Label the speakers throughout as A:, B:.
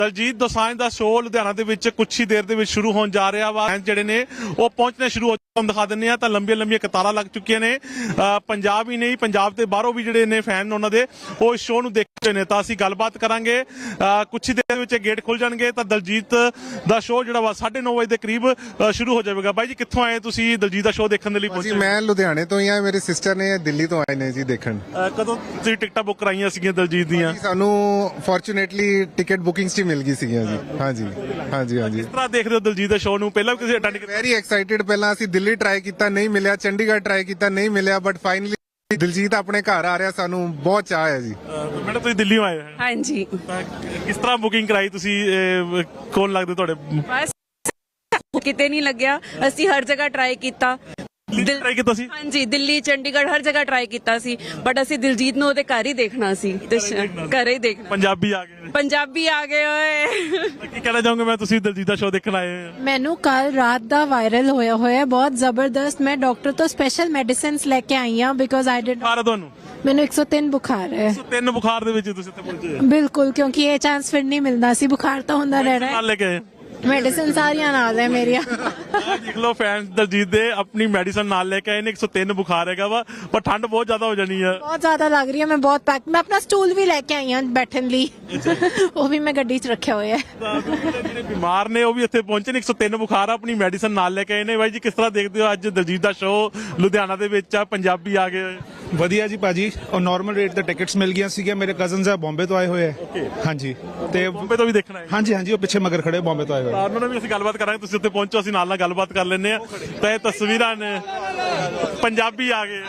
A: ਦਲਜੀਤ ਦੋਸਾਂਝ ਦਾ ਸ਼ੋਅ ਲੁਧਿਆਣਾ ਦੇ ਵਿੱਚ ਕੁਛ ਹੀ ਦੇਰ ਦੇ ਵਿੱਚ ਸ਼ੁਰੂ ਹੋਣ ਜਾ ਰਿਹਾ ਵਾ। ਜਿਹੜੇ ਨੇ ਉਹ ਪਹੁੰਚਣੇ ਸ਼ੁਰੂ ਹੋ ਤੁਹਾਨੂੰ ਦਿਖਾ ਦਿੰਦੇ ਆ ਤਾਂ ਲੰਬੀਆਂ ਕਤਾਰਾਂ ਲੱਗ ਚੁੱਕੀਆਂ ਨੇ। ਪੰਜਾਬ ਹੀ ਨਹੀਂ, ਪੰਜਾਬ ਦੇ ਬਾਹਰੋਂ ਵੀ ਜਿਹੜੇ ਨੇ ਫੈਨ ਉਹਨਾਂ ਦੇ ਉਹ ਇਸ ਸ਼ੋਅ ਨੂੰ ਦੇਖਦੇ ਨੇ। ਤਾਂ ਅਸੀਂ ਗੱਲਬਾਤ ਕਰਾਂਗੇ। ਕੁਛ ਹੀ ਦੇਰ ਵਿੱਚ ਗੇਟ ਖੁੱਲ ਜਾਣਗੇ ਤਾਂ ਦਲਜੀਤ ਦਾ ਸ਼ੋਅ ਜਿਹੜਾ ਵਾ 9:30 ਵਜੇ ਦੇ ਕਰੀਬ ਸ਼ੁਰੂ ਹੋ ਜਾਵੇਗਾ। ਬਾਈ ਜੀ ਕਿੱਥੋਂ ਆਏ ਤੁਸੀਂ ਦਲਜੀਤ ਦਾ ਸ਼ੋਅ ਦੇਖਣ ਦੇ ਲਈ ਪਹੁੰਚੇ?
B: ਮੈਂ ਲੁਧਿਆਣੇ ਤੋਂ ਹੀ ਆ, ਮੇਰੀ ਸਿਸਟਰ ਨੇ ਦਿੱਲੀ ਤੋਂ ਆਏ ਨੇ ਜੀ ਦੇਖਣ।
A: ਕਦੋਂ ਤੁਸੀਂ ਟਿਕਟਾਂ ਬੁੱਕ ਕਰਾਈਆਂ ਸੀਗੀਆਂ ਦਲਜੀਤ ਦੀਆਂ?
B: ਸਾਨੂੰ ਫੋਰਚੂਨੇਟਲੀ ਟਿਕਟ ਬੁਕਿੰਗਸ ਹੀ ਮਿਲ ਗਈ ਸੀਗੀਆਂ ਜੀ। ਹਾਂਜੀ।
A: ਕਿਸ ਤਰ੍ਹਾਂ ਦੇਖਦੇ ਹੋ ਦਲਜੀਤ ਦੇ ਸ਼ੋਅ ਨੂੰ? ਪਹਿਲਾਂ ਵੀ ਕਿਸੇ ਅਟੈਂਡ ਕੀਤਾ?
B: Very excited. ਪਹਿਲਾਂ ਅਸੀਂ ਦਿੱਲੀ ਟਰਾਈ ਕੀਤਾ, ਨਹੀਂ ਮਿਲਿਆ, ਚੰਡੀਗੜ੍ਹ ਟਰਾਈ ਕੀਤਾ, ਨਹੀਂ ਮਿਲਿਆ, ਬਟ ਫਾਈਨਲੀ ਦਿਲਜੀਤ ਆਪਣੇ ਘਰ ਆ ਰਿਹਾ, ਸਾਨੂੰ ਬਹੁਤ ਚਾਅ ਹੈ ਜੀ।
A: ਮੈਡਮ ਤੁਸੀਂ ਦਿੱਲੀੋਂ ਆਏ ਹੋ?
C: ਹਾਂਜੀ।
A: ਕਿਸ ਤਰ੍ਹਾਂ ਬੁਕਿੰਗ ਕਰਾਈ ਤੁਸੀਂ? ਕੌਣ ਲੱਗਦੇ ਤੁਹਾਡੇ?
C: ਬਸ ਕਿਤੇ ਨਹੀਂ ਲੱਗਿਆ, ਅਸੀਂ ਹਰ ਜਗ੍ਹਾ ਟਰਾਈ ਕੀਤਾ।
A: ਟਰਾਈ ਕੀਤਾ ਸੀ?
C: ਹਾਂਜੀ, ਦਿੱਲੀ, ਚੰਡੀਗੜ੍ਹ ਹਰ ਜਗ੍ਹਾ ਟਰਾਈ ਕੀਤਾ ਸੀ, ਬਟ ਅਸੀਂ ਦਿਲਜੀਤ ਨੂੰ ਉਹਦੇ ਘਰ ਹੀ ਦੇਖਣਾ ਸੀ ਤੇ ਘਰੇ ਹੀ ਦੇਖਣਾ।
A: ਪੰਜਾਬੀ ਆ ਗਏ?
C: ਪੰਜਾਬੀ ਆ ਗਏ ਓਏ।
A: ਕੀ ਕਹਿਣਾ ਚਾਹੋਗੇ? ਮੈਂ ਤੁਸੀਂ ਦਲਜੀਤ ਦਾ ਸ਼ੋਅ ਦੇਖਣ ਆਏ ਹੋ?
D: ਮੈਨੂੰ ਕੱਲ ਰਾਤ ਦਾ ਵਾਇਰਲ ਹੋਇਆ ਬਹੁਤ ਜ਼ਬਰਦਸਤ। ਮੈਂ ਡਾਕਟਰ ਤੋਂ ਸਪੈਸ਼ਲ ਮੈਡੀਸਿਨਸ ਲੈ ਕੇ ਆਈ ਹਾਂ ਬਿਕੋਜ਼ ਆਈ ਡਿਡ
A: ਬੁਖਾਰ ਤੁਹਾਨੂੰ?
D: ਮੈਨੂੰ 103 ਬੁਖਾਰ ਹੈ।
A: 103 ਬੁਖਾਰ ਦੇ ਵਿੱਚ ਤੁਸੀਂ ਇੱਥੇ ਪਹੁੰਚੇ?
D: ਬਿਲਕੁਲ, ਕਿਉਂਕਿ ਇਹ ਚਾਂਸ ਫਿਰ ਨਹੀਂ ਮਿਲਦਾ ਸੀ। ਬੁਖਾਰ ਤਾਂ ਹੁੰਦਾ ਰਹਿਣਾ ਹੈ।
A: ਨਾਲ ਲੈ ਕੇ ਆਏ?
D: ਮੈਡੀਸਿਨ ਸਾਰੀਆਂ ਨਾਲ ਹੈ ਮੇਰੀਆਂ।
A: ਦੇਖ ਲਓ ਫੈਨਸ ਦਲਜੀਤ ਦੇ ਆਪਣੀ ਮੈਡੀਸਨ ਨਾਲ ਲੈ ਕੇ ਆਏ ਨੇ। 103 ਬੁਖਾਰ ਹੈਗਾ ਵਾ, ਪਰ ਠੰਡ ਬਹੁਤ ਜ਼ਿਆਦਾ ਹੋ ਜਾਣੀ ਹੈ।
D: ਬਹੁਤ ਜ਼ਿਆਦਾ ਲੱਗ ਰਹੀ ਹੈ। ਮੈਂ ਬਹੁਤ ਪੈਕ, ਮੈਂ ਆਪਣਾ ਸਟੂਲ ਵੀ ਲੈ ਕੇ ਆਈ ਹਾਂ ਬੈਠਣ ਲਈ। ਉਹ ਵੀ ਮੈਂ ਗੱਡੀ 'ਚ ਰੱਖਿਆ ਹੋਇਆ ਹੈ।
A: ਜਿਹੜੇ ਬਿਮਾਰ ਨੇ ਉਹ ਵੀ ਇੱਥੇ ਪਹੁੰਚੇ ਨੇ। 103 ਬੁਖਾਰ ਆ, ਆਪਣੀ ਮੈਡੀਸਨ ਨਾਲ ਲੈ ਕੇ ਆਏ ਨੇ। ਬਾਈ ਜੀ ਕਿਸ ਤਰ੍ਹਾਂ ਦੇਖਦੇ ਹੋ ਅੱਜ ਦਲਜੀਤ ਦਾ ਸ਼ੋਅ ਲੁਧਿਆਣਾ ਦੇ ਵਿੱਚ ਆ, ਪੰਜਾਬੀ ਆ ਗਏ?
E: ਵਧੀਆ ਜੀ ਭਾਜੀ, ਔਰ ਨਾਰਮਲ ਰੇਟ ਤੇ ਟਿਕਟਸ ਮਿਲ ਗਈਆਂ ਸੀਗੀਆਂ। ਮੇਰੇ ਕਜ਼ਨਸ ਆ ਬੰਬੇ ਤੋਂ ਆਏ ਹੋਏ ਆ। ਹਾਂਜੀ, ਤੇ
A: ਬੰਬੇ ਤੋਂ ਵੀ ਦੇਖਣਾ ਹੈ?
E: ਹਾਂਜੀ, ਉਹ ਪਿੱਛੇ ਮਗਰ ਖੜੇ ਬੰਬੇ ਤੋਂ ਆਏ ਹੋਏ।
A: ਉਹਨਾਂ ਨਾਲ ਵੀ ਅਸੀਂ ਗੱਲਬਾਤ ਕਰਾਂਗੇ। ਤੁਸੀਂ ਉੱਥੇ ਪਹੁੰਚੋ, ਅਸੀਂ ਨਾਲ ਗੱਲਬਾਤ ਕਰ ਲੈਂਦੇ ਆ। ਤਾਂ ਇਹ ਤਸਵੀਰਾਂ ਨੇ, ਪੰਜਾਬੀ ਆ ਗਏ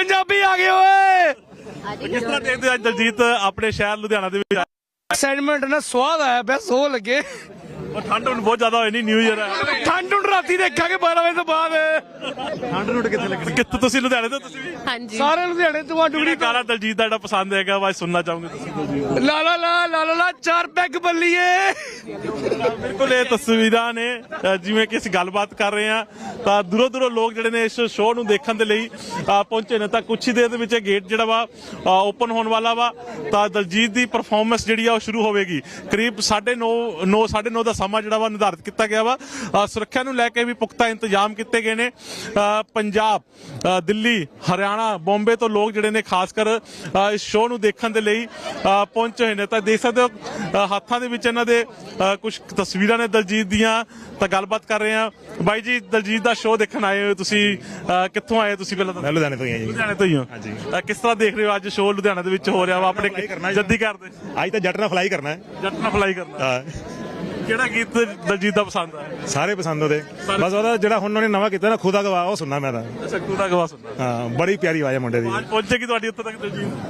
A: ਓਏ। ਕਿਸ ਤਰ੍ਹਾਂ ਦੇਖਦੇ ਹੋ ਅੱਜ ਦਲਜੀਤ ਆਪਣੇ ਸ਼ਹਿਰ ਲੁਧਿਆਣਾ ਦੇ ਵਿੱਚ?
F: ਐਕਸਾਈਟਮੈਂਟ ਨਾ ਸਵਾਦ ਆਇਆ ਪਿਆ, ਸੋ ਲੱਗੇ।
A: ਠੰਡ ਹੁਣ ਬਹੁਤ ਜ਼ਿਆਦਾ ਹੋਈ ਨਹੀਂ, ਨਿਊ ਈਅਰ ਹੈ।
F: ਠੰਡ ਹੁਣ ਰਾਤੀ ਦੇਖਾਂਗੇ 12 ਵਜੇ ਤੋਂ ਬਾਅਦ।
A: ਠੰਡ ਨੂੰ ਕਿੱਥੇ ਲੱਗਣੀ? ਕਿੱਥੇ ਤੁਸੀਂ ਲੁਧਿਆਣੇ ਤੋਂ? ਤੁਸੀਂ ਵੀ?
C: ਹਾਂਜੀ।
F: ਸਾਰੇ ਲੁਧਿਆਣੇ ਤੋਂ ਆ ਡੁਗੜੀ ਤੋਂ।
A: ਗਾਣਾ ਦਲਜੀਤ ਦਾ ਜਿਹੜਾ ਪਸੰਦ ਹੈਗਾ ਵਾ ਸੁਣਨਾ ਚਾਹੋਗੇ ਤੁਸੀਂ ਦਲਜੀਤ?
F: ਲਾ ਲਾ ਲਾ ਲਾ ਲਾ ਲਾ 4 ਪੈਗ ਬੱਲੀਏ।
A: ਬਿਲਕੁਲ ਇਹ ਤਸਵੀਰਾਂ ਨੇ। ਜਿਵੇਂ ਕਿ ਅਸੀਂ ਗੱਲਬਾਤ ਕਰ ਰਹੇ ਹਾਂ ਤਾਂ ਦੂਰੋਂ ਲੋਕ ਜਿਹੜੇ ਨੇ ਇਸ ਸ਼ੋਅ ਨੂੰ ਦੇਖਣ ਦੇ ਲਈ ਪਹੁੰਚੇ ਨੇ। ਤਾਂ ਕੁਛ ਹੀ ਦੇਰ ਦੇ ਵਿੱਚ ਗੇਟ ਜਿਹੜਾ ਵਾ ਓਪਨ ਹੋਣ ਵਾਲਾ ਵਾ। ਤਾਂ ਦਲਜੀਤ ਦੀ ਪਰਫਾਰਮੈਂਸ ਜਿਹੜੀ ਆ ਉਹ ਸ਼ੁਰੂ ਹੋਵੇਗੀ। ਕਰੀਬ 9:30 ਦਾ ਸਮਾਂ ਜਿਹੜਾ ਵਾ ਨਿਰਧਾਰਿਤ ਕੀਤਾ ਗਿਆ ਵਾ। ਸੁਰੱਖਿਆ ਨੂੰ ਲੈ ਕੇ ਵੀ ਪੁਖਤਾ ਇੰਤਜ਼ਾਮ ਕੀਤੇ ਗਏ ਨੇ। ਪੰਜਾਬ, ਦਿੱਲੀ, ਹਰਿਆਣਾ, ਬੰਬੇ ਤੋਂ ਲੋਕ ਜਿਹੜੇ ਨੇ ਖਾਸ ਕਰ ਇਸ ਸ਼ੋਅ ਨੂੰ ਦੇਖਣ ਦੇ ਲਈ ਪਹੁੰਚੇ ਹੋਏ ਨੇ। ਤਾਂ ਦੇਖ ਸਕਦੇ ਹੋ ਹੱਥਾਂ ਦੇ ਵਿੱਚ ਇਹਨਾਂ ਦੇ ਕੁਝ ਤਸਵੀਰਾਂ ਨੇ ਦਲਜੀਤ ਦੀਆਂ। ਤਾਂ ਗੱਲਬਾਤ ਕਰ ਰਹੇ ਹਾਂ। ਬਾਈ ਜੀ ਦਲਜੀਤ ਦਾ ਸ਼ੋਅ ਦੇਖਣ ਆਏ ਹੋ ਤੁਸੀਂ, ਕਿੱਥੋਂ ਆਏ ਤੁਸੀਂ? ਪਹਿਲਾਂ ਤਾਂ
G: ਮੈਂ ਲੁਧਿਆਣੇ ਤੋਂ ਹੀ ਆ ਜੀ।
A: ਲੁਧਿਆਣੇ ਤੋਂ ਹੀ ਹੋ?
G: ਹਾਂਜੀ।
A: ਕਿਸ ਤਰ੍ਹਾਂ ਦੇਖ ਰਹੇ ਹੋ ਅੱਜ ਸ਼ੋਅ ਲੁਧਿਆਣਾ ਦੇ ਵਿੱਚ ਹੋ ਰਿਹਾ ਵਾ? ਆਪਣੇ ਜੱਦੀ ਕਰਦੇ?
G: ਅੱਜ ਤਾਂ ਜੱਟ ਨਾਲ ਫਲਾਈ ਕਰਨਾ ਹੈ।
A: ਜੱਟ ਨਾਲ ਫਲਾਈ ਕਰਨਾ।
G: ਹਾਂ,
A: ਕਿਹੜਾ ਗੀਤ ਦਲਜੀਤ ਦਾ ਪਸੰਦ ਆ?
G: ਸਾਰੇ ਪਸੰਦ ਉਹਦੇ। ਬਸ ਉਹਦਾ ਜਿਹੜਾ ਹੁਣ ਉਹਨੇ ਨਵਾਂ ਕੀਤਾ ਨਾ ਖੁਦਾ ਗਵਾ, ਉਹ ਸੁਣਨਾ ਮੈਂ ਤਾਂ।
A: ਅੱਛਾ, ਖੁਦਾ ਗਵਾ ਸੁਣਨਾ।
G: ਹਾਂ, ਬੜੀ ਪਿਆਰੀ ਆਵਾਜ਼ ਹੈ ਮੁੰਡੇ ਦੀ।
A: ਅੱਜ ਪਹੁੰਚੇਗੀ ਤੁਹਾਡੀ ਉੱਥੇ ਤੱਕ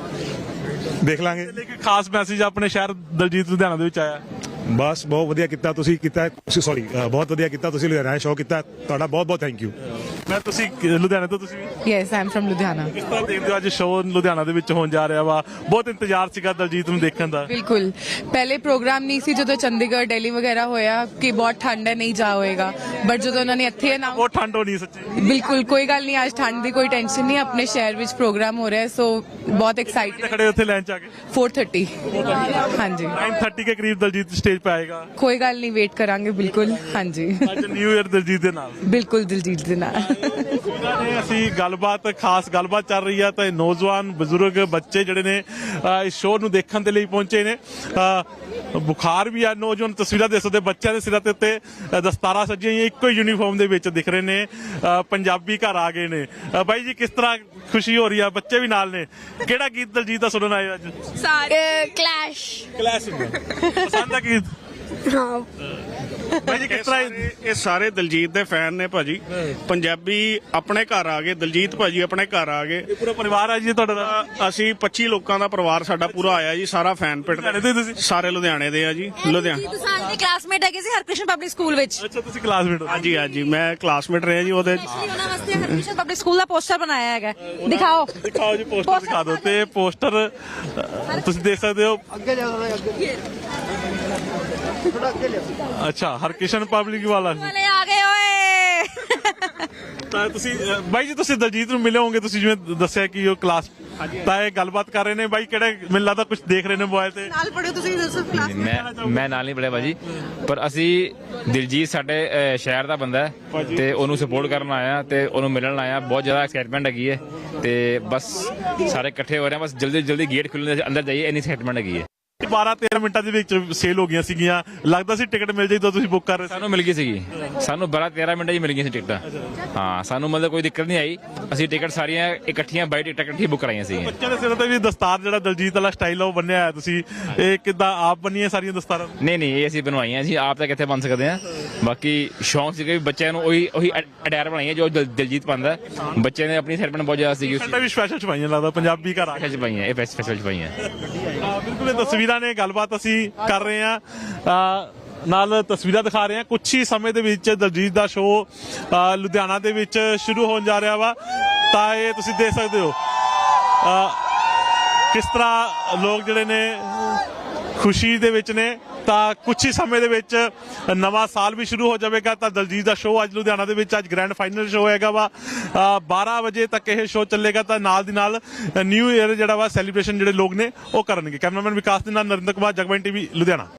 A: ਦਲਜੀਤ?
G: ਦੇਖ ਲਾਂਗੇ।
A: ਲੇਕਿਨ ਖਾਸ ਮੈਸੇਜ ਆਪਣੇ ਸ਼ਹਿਰ ਦਲਜੀਤ ਲੁਧਿਆਣਾ ਦੇ ਵਿੱਚ ਆਇਆ।
G: ਬਸ ਬਹੁਤ ਵਧੀਆ ਕੀਤਾ ਤੁਸੀਂ ਬਹੁਤ ਵਧੀਆ ਕੀਤਾ ਤੁਸੀਂ ਲੁਧਿਆਣਾ ਸ਼ੋਅ ਕੀਤਾ। ਤੁਹਾਡਾ ਬਹੁਤ ਥੈਂਕ ਯੂ।
A: ਮੈਂ ਤੁਸੀਂ ਲੁਧਿਆਣੇ ਤੋਂ? ਤੁਸੀਂ ਵੀ?
H: Yes, I am from Ludhiana.
A: ਕਿਸ ਤਰ੍ਹਾਂ ਦੇਖਦੇ ਹੋ ਅੱਜ ਸ਼ੋਅ ਲੁਧਿਆਣਾ ਦੇ ਵਿੱਚ ਹੋਣ ਜਾ ਰਿਹਾ ਵਾ? ਬਹੁਤ ਇੰਤਜ਼ਾਰ ਸੀਗਾ ਦਲਜੀਤ ਨੂੰ ਦੇਖਣ ਦਾ।
H: ਬਿਲਕੁਲ, ਪਹਿਲੇ ਪ੍ਰੋਗਰਾਮ ਨਹੀਂ ਸੀ ਜਦੋਂ ਚੰਡੀਗੜ੍ਹ, ਦਿੱਲੀ ਵਗੈਰਾ ਹੋਇਆ ਕਿ ਬਹੁਤ ਠੰਡ ਹੈ, ਨਹੀਂ ਜਾ ਹੋਏਗਾ। ਬਟ ਜਦੋਂ ਉਹਨਾਂ ਨੇ ਇੱਥੇ
A: ਬਹੁਤ ਠੰਡ ਹੋਣੀ ਸੱਚੀ।
H: ਬਿਲਕੁਲ ਕੋਈ ਗੱਲ ਨਹੀਂ, ਅੱਜ ਠੰਡ ਦੀ ਕੋਈ ਟੈਨਸ਼ਨ ਨਹੀਂ। ਆਪਣੇ ਸ਼ਹਿਰ ਵਿੱਚ ਪ੍ਰੋਗਰਾਮ ਹੋ ਰਿਹਾ, ਸੋ ਬਹੁਤ ਐਕਸਾਈਟਡ।
A: ਖੜੇ ਉੱਥੇ ਲਾਈਨ ਚ ਆ ਕੇ
H: 4:30। ਹਾਂਜੀ,
A: 9:30 के करीब दलजीत स्टेज पे आएगा।
H: ਕੋਈ ਗੱਲ ਨਹੀਂ, ਵੇਟ ਕਰਾਂਗੇ। ਬਿਲकुਲ, ਹਾਂਜੀ।
A: ਅੱਜ ਨਿਊ ਈਅਰ ਦਲਜੀਤ ਦੇ ਨਾਲ?
H: ਬਿਲਕੁਲ, ਦਿਲਜੀਤ ਦੇ ਨਾਲ।
A: ਅਸੀਂ ਖਾਸ ਗੱਲਬਾਤ ਚੱਲ ਰਹੀ ਆ ਤਾਂ ਨੌਜਵਾਨ, ਬਜ਼ੁਰਗ, ਬੱਚੇ ਜਿਹੜੇ ਨੇ ਇਸ ਸ਼ੋਅ ਨੂੰ ਦੇਖਣ ਦੇ ਲਈ ਪਹੁੰਚੇ ਨੇ। ਬੁਖਾਰ ਵੀ ਆ। ਨੌਜਵਾਨ ਤਸਵੀਰਾਂ ਦੇਖ ਸਕਦੇ, ਬੱਚਿਆਂ ਦੇ ਸਿਰਾਂ ਦੇ ਉੱਤੇ ਦਸਤਾਰਾਂ ਸੱਜੀਆਂ ਹੋਈਆਂ, ਇੱਕੋ ਹੀ ਯੂਨੀਫਾਰਮ ਦੇ ਵਿੱਚ ਦਿਖ ਰਹੇ ਨੇ। ਪੰਜਾਬੀ ਘਰ ਆ ਗਏ ਨੇ। ਬਾਈ ਜੀ ਕਿਸ ਤਰ੍ਹਾਂ ਖੁਸ਼ੀ ਹੋ ਰਹੀ ਆ? ਬੱਚੇ ਵੀ ਨਾਲ ਨੇ। ਕਿਹੜਾ ਗੀਤ ਦਲਜੀਤ ਦਾ ਸੁਣਨ ਆਏ ਅੱਜ?
D: ਕਲੈਸ਼।
A: ਪਸੰਦ ਆ ਗੀਤ?
D: ਹਾਂ
A: ਬਾਈ ਜੀ ਕਿਸ ਤਰ੍ਹਾਂ?
I: ਇਹ ਸਾਰੇ ਦਲਜੀਤ ਦੇ ਫੈਨ ਨੇ ਭਾਜੀ। ਪੰਜਾਬੀ ਆਪਣੇ ਘਰ ਆ ਗਏ, ਦਲਜੀਤ ਭਾਜੀ ਆਪਣੇ ਘਰ ਆ ਗਏ।
A: ਪੂਰਾ ਪਰਿਵਾਰ ਆ ਜੀ ਤੁਹਾਡਾ?
I: ਅਸੀਂ 25 ਲੋਕਾਂ ਦਾ ਪਰਿਵਾਰ ਸਾਡਾ ਪੂਰਾ ਆਇਆ ਜੀ। ਸਾਰਾ ਫੈਨ ਪਿੰਡ ਸਾਰੇ ਲੁਧਿਆਣੇ ਦੇ ਆ ਜੀ।
C: ਲੁਧਿਆਣੇ ਦੇ ਕਲਾਸਮੇਟ ਹੈਗੇ ਸੀ ਹਰਕ੍ਰਿਸ਼ਨ ਪਬਲਿਕ ਸਕੂਲ ਵਿੱਚ।
A: ਅੱਛਾ, ਤੁਸੀਂ ਕਲਾਸਮੇਟ ਹੋ?
I: ਹਾਂਜੀ, ਮੈਂ ਕਲਾਸਮੇਟ ਰਿਹਾ ਜੀ ਉਹਦੇ।
C: ਉਹਨਾਂ ਵਾਸਤੇ ਹਰਕ੍ਰਿਸ਼ਨ ਪਬਲਿਕ ਸਕੂਲ ਦਾ ਪੋਸਟਰ ਬਣਾਇਆ ਹੈਗਾ। ਦਿਖਾਓ
A: ਜੀ, ਪੋਸਟਰ ਦਿਖਾ ਦਿਓ। ਤੇ ਪੋਸਟਰ ਤੁਸੀਂ ਦੇਖ ਸਕਦੇ ਹੋ। ਅੱਛਾ, ਹਰਕਿਸ਼ਨ ਪਬਲਿਕ ਵਾਲਾ
C: ਆ ਗਏ ਓਏ।
A: ਤਾਂ ਤੁਸੀਂ ਬਾਈ ਜੀ ਤੁਸੀਂ ਦਲਜੀਤ ਨੂੰ ਮਿਲੇ ਹੋਗੇ। ਤੁਸੀਂ ਜਿਵੇਂ ਦੱਸਿਆ ਕਿ ਉਹ ਤਾਂ ਇਹ ਗੱਲਬਾਤ ਕਰ ਰਹੇ ਨੇ ਬਾਈ ਕਿਹੜੇ ਮੈਨੂੰ ਲੱਗਦਾ ਕੁਝ ਦੇਖ ਰਹੇ ਨੇ ਮੋਬਾਈਲ ਤੇ
J: ਨਾਲ ਪੜਿਓ ਤੁਸੀਂ ਯੂਸਫ ਕਲਾਸ
K: ਮੈਂ ਨਾਲ ਨਹੀਂ ਪੜਿਆ ਭਾਜੀ, ਪਰ ਅਸੀਂ ਦਿਲਜੀਤ ਸਾਡੇ ਸ਼ਹਿਰ ਦਾ ਬੰਦਾ ਹੈ ਤੇ ਉਹਨੂੰ ਸਪੋਰਟ ਕਰਨ ਆਇਆ ਤੇ ਉਹਨੂੰ ਮਿਲਣ ਆਇਆ। ਬਹੁਤ ਜ਼ਿਆਦਾ ਐਕਸਾਈਟਮੈਂਟ ਹੈਗੀ ਹੈ ਤੇ ਬਸ ਸਾਰੇ ਇਕੱਠੇ ਹੋ ਰਹੇ ਹਾਂ, ਬਸ ਜਲਦੀ ਗੇਟ ਖੁੱਲ੍ਹਣ ਦੇ ਅੰਦਰ ਜਾਈਏ, ਇੰਨੀ ਐਕਸਾਈਟਮੈਂਟ ਹੈਗੀ ਹੈ।
A: 12-13 ਮਿੰਟਾਂ ਦੇ ਵਿੱਚ ਸੇਲ ਹੋ ਗਈਆਂ ਸੀਗੀਆਂ, ਲੱਗਦਾ ਸੀ ਟਿਕਟ ਮਿਲ ਜਾਈ ਤਾਂ ਤੁਸੀਂ ਬੁੱਕ ਕਰ ਰਹੇ ਸੀ।
K: ਸਾਨੂੰ ਮਿਲ ਗਈ ਸੀਗੀ, ਸਾਨੂੰ 12-13 ਮਿੰਟਾਂ 'ਚ ਮਿਲ ਗਈਆਂ ਸੀ ਟਿਕਟਾਂ। ਹਾਂ, ਸਾਨੂੰ ਮਤਲਬ ਕੋਈ ਦਿੱਕਤ ਨਹੀਂ ਆਈ, ਅਸੀਂ ਟਿਕਟ ਸਾਰੀਆਂ ਇਕੱਠੀਆਂ ਬਾਈ ਟਿਕਟਾਂ ਇਕੱਠੀਆਂ ਬੁੱਕ ਕਰਾਈਆਂ ਸੀਗੀਆਂ।
A: ਬੱਚਿਆਂ ਦੇ ਸਿਰ ਤੇ ਵੀ ਦਸਤਾਰ ਜਿਹੜਾ ਦਲਜੀਤ ਵਾਲਾ ਸਟਾਈਲ ਆ ਉਹ ਬੰਨਿਆ ਹੋਇਆ ਤੁਸੀਂ, ਇਹ ਕਿੱਦਾਂ ਆਪ ਬੰਨੀਆਂ ਸਾਰੀਆਂ ਦਸਤਾਰਾਂ?
K: ਨਹੀਂ ਇਹ ਅਸੀਂ ਬਣਵਾਈਆਂ ਜੀ, ਆਪ ਤਾਂ ਕਿੱਥੇ ਬਣ ਸਕਦੇ ਹਾਂ। ਬਾਕੀ ਸ਼ੌਂਕ ਸੀਗਾ ਵੀ ਬੱਚਿਆਂ ਨੂੰ ਉਹੀ ਅਟਾਇਰ ਬਣਾਈਆਂ ਜੋ ਦਿਲਜੀਤ ਪਾਉਂਦਾ। ਬੱਚਿਆਂ ਨੇ ਆਪਣੀ ਐਕਸਾਈਟਮੈਂਟ ਬਹੁਤ ਜ਼ਿਆਦਾ ਸੀਗੀ,
A: ਵੀ ਸਪੈਸ਼ਲ ਛਪਾਈਆਂ ਲੱਗਦਾ ਪੰਜਾਬੀ ਘਰ ਆ
K: ਚ ਪਾਈਆਂ, ਇਹ ਫੈਸਟੀਵਲ 'ਚ ਪਾਈਆਂ।
A: ਬਿਲਕੁਲ ਇਹ ਤਸਵੀਰਾਂ ਨੇ, ਗੱਲਬਾਤ ਅਸੀਂ ਕਰ ਰਹੇ ਹਾਂ ਨਾਲ ਤਸਵੀਰਾਂ ਦਿਖਾ ਰਹੇ ਹਾਂ। ਕੁਛ ਹੀ ਸਮੇਂ ਦੇ ਵਿੱਚ ਦਲਜੀਤ ਦਾ ਸ਼ੋਅ ਲੁਧਿਆਣਾ ਦੇ ਵਿੱਚ ਸ਼ੁਰੂ ਹੋਣ ਜਾ ਰਿਹਾ ਵਾ, ਤਾਂ ਇਹ ਤੁਸੀਂ ਦੇਖ ਸਕਦੇ ਹੋ ਕਿਸ ਤਰ੍ਹਾਂ ਲੋਕ ਜਿਹੜੇ ਨੇ ਖੁਸ਼ੀ ਦੇ ਵਿੱਚ ਨੇ। ਤਾਂ ਕੁਛ ਹੀ ਸਮੇਂ ਦੇ ਵਿੱਚ ਨਵਾਂ ਸਾਲ ਵੀ ਸ਼ੁਰੂ ਹੋ ਜਾਵੇਗਾ। ਤਾਂ ਦਲਜੀਤ ਦਾ ਸ਼ੋਅ ਅੱਜ ਲੁਧਿਆਣਾ ਦੇ ਵਿੱਚ ਅੱਜ ਗ੍ਰੈਂਡ ਫਾਈਨਲ ਸ਼ੋਅ ਹੈਗਾ ਵਾ, 12 ਵਜੇ ਤੱਕ ਇਹ ਸ਼ੋਅ ਚੱਲੇਗਾ। ਤਾਂ ਨਾਲ ਦੀ ਨਾਲ ਨਿਊ ਈਅਰ ਜਿਹੜਾ ਵਾ ਸੈਲੀਬ੍ਰੇਸ਼ਨ ਜਿਹੜੇ ਲੋਕ ਨੇ ਉਹ ਕਰਨਗੇ। ਕੈਮਰਾਮੈਨ ਵਿਕਾਸ ਦੇ ਨਾਲ ਨਰਿੰਦਰ ਕੁਮਾਰ, ਜਗਬਾਣੀ ਟੀਵੀ ਲੁਧਿਆਣਾ।